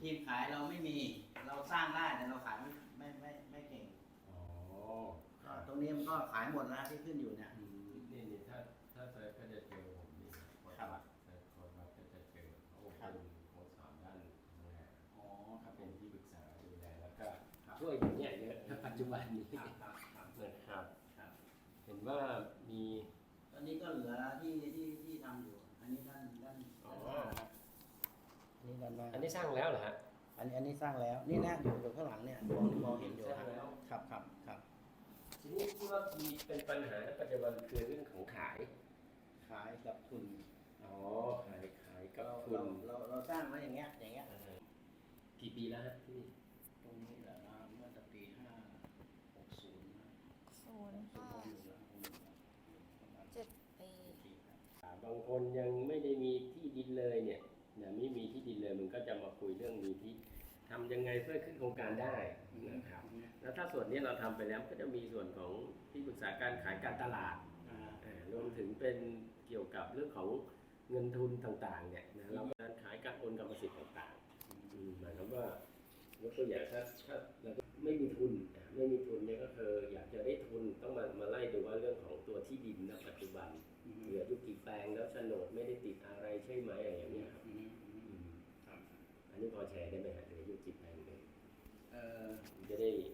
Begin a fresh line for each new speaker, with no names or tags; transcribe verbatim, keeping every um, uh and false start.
ทีมขายเราไม่มีเราสร้างได้แต่เราขายไม่ไม่ไม่ไม่เก่ง
อ๋อ
ก็ตรงนี้มันก็ขายหมดแล้วที่ขึ้นอยู่เนี่ย
อืมนี่นี่ถ้าถ้าเซิร์ชก็จะเจอผมนี่โค้ด
ครับ
วัดเซิร์ชโค้ดวัดก็จะเจอโอ้เป็นโค้ดสอนด้านดูแล
อ๋อค
ก็
รับผ
เป็น
ม
ที่ปรึกษาดูแลแล้วก็
ครับ
ช่วยอยู่เนี่ยเยอะณปัจจุบันนี้
ครับครับครับ
นะครับ
ครับ
เห็นว่ามี
ตอนนี้ก็เหลือที่ที่ที่ทำอยู่ อันนี้ด้านด้าน
อ๋อ
ด้านหน้าครับอันนี้ด้านหน้า
อันนี้สร้างแล้วเหรอฮะ
อันนี้อันนี้สร้างแล้ว นี่นะอยู่อยู่ข้างหลังเนี่ยมองมองเห็นอยู่
สร้างแล้ว
ครับครับครับ
ทีนี้ที่ว่ามีเป็นปัญหาในปัจจุบันคือเรื่องของขาย
ขายกับทุน
อ๋อขายขายกับ
เรา
ทุ
เรา
น
เราเราสร้างไว้อย่างเงี้ยอย่างเงี้ย
เออกี่ปีแล้วฮะที่นี่
ตรงนี้แหละนะเมื่อแต่ปีห้าหกศูนย์นะ
ศูนย์
ผม
ห้า
อยู่แล้วผมอยู่แล้วประมาณ
เจ็ดปี
เจ็ดปีครับ
บางคนยังไม่ได้มีที่ดินเลยเนี่ยนะไม่มีที่ดินเลยมันก็จะมาคุยเรื่องมีที่ทำยังไงเพื่อขึ้นโครงการได้นะครับ แล้วถ้าส่วนนี้เราทำไปแล้วก็จะมีส่วนของที่ปรึกษาการขายการตลาด
อ่า
อ่ารวมถึงเป็นเกี่ยวกับเรื่องของเงินทุนต่างๆเนี่ยนะเราการขายการโอนกรรมสิทธิ์ต่างๆอืมหมายความว่ายกตัวอย่างถ้าถ้าเราไม่มีทุนอ่ะไม่มีทุนเนี่ยก็คืออยากจะได้ทุนต้องมามาไล่ดูว่าเรื่องของตัวที่ดินณปัจจุบัน
อืม
เหลืออยู่กี่แปลงแล้วโฉนดไม่ได้ติดอะไรใช่ไหมอะไรอย่างเงี้ยครับ
อืมอืม
อืม
ครับ
อันนี้พอแชร์ได้ไหมฮะเหลืออยู่กี่แปลงเลย
เอ่อ
จะได้